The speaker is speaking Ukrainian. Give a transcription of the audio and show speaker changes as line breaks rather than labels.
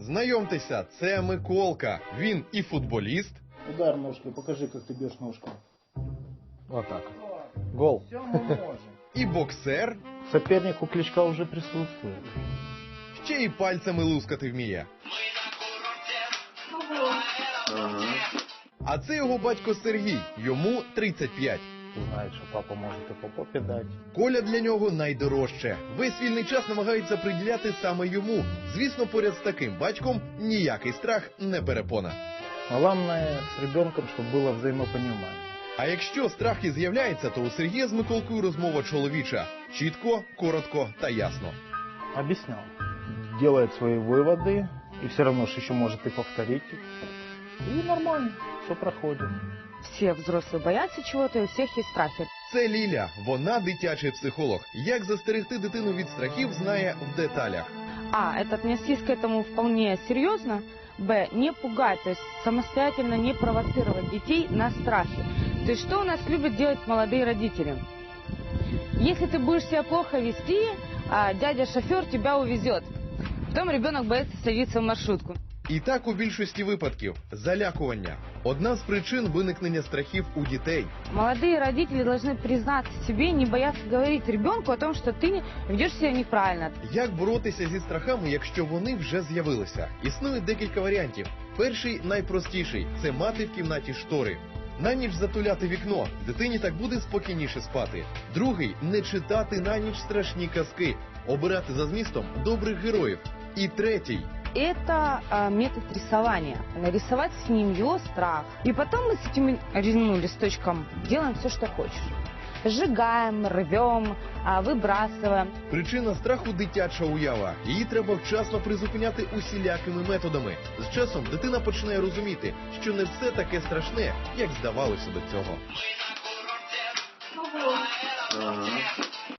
Знайомтеся, це Миколка. Він і футболіст,
Удар ножкой, покажи, как ты бьешь ножку.
Вот так. Гол.
Все мы можем.
і боксер,
Соперник у Кличка уже присутствует.
ще й пальцями лускати вміє. А це його батько Сергій, йому 35.
Знает, что папа может и по попе дать.
Коля для нього найдорожче. Весь вільний час намагається приділяти саме йому. Звісно, поряд з таким батьком ніякий страх не перепона.
Главное с ребенком, чтобы было взаимопонимание.
А якщо страх і з'являється, то у Сергія з Миколкою розмова чоловіча. Чітко, коротко та ясно.
Объяснял. Делает свои выводы, и все равно же еще может и повторить их. И нормально, все проходит.
Все взрослые боятся чего-то, и у всех есть страхи.
Це Ліля, вона дитячий психолог. Як застерегти дитину від страхів, знає в деталях.
А, это отнестись к этому вполне серьезно. Б, не пугать, то есть самостоятельно не провоцировать детей на страхи. То есть что у нас любят делать молодые родители? Если ты будешь себя плохо вести, дядя-шофер тебя увезет. Потом ребенок боится садиться в маршрутку.
І так у більшості випадків залякування. Одна з причин виникнення страхів у дітей.
Молодые родители должны признаться себе, не бояться говорить ребенку о том, что ты ведешь себя неправильно.
Як боротися зі страхами, якщо вони вже з'явилися? Існує декілька варіантів. Перший, найпростіший – це мати в кімнаті штори. На ніч затуляти вікно, дитині так буде спокійніше спати. Другий – не читати на ніч страшні казки, обирати за змістом добрих героїв. І третій –
Это метод рисования. Нарисовать с ним его страх. И потом мы с этим листочком делаем все, что хочешь. Сжигаем, рвем, выбрасываем.
причина страху – дитяча уява. Її треба вчасно призупиняти усілякими методами. З часом дитина починає розуміти, що не все таке страшне, як здавалося до цього.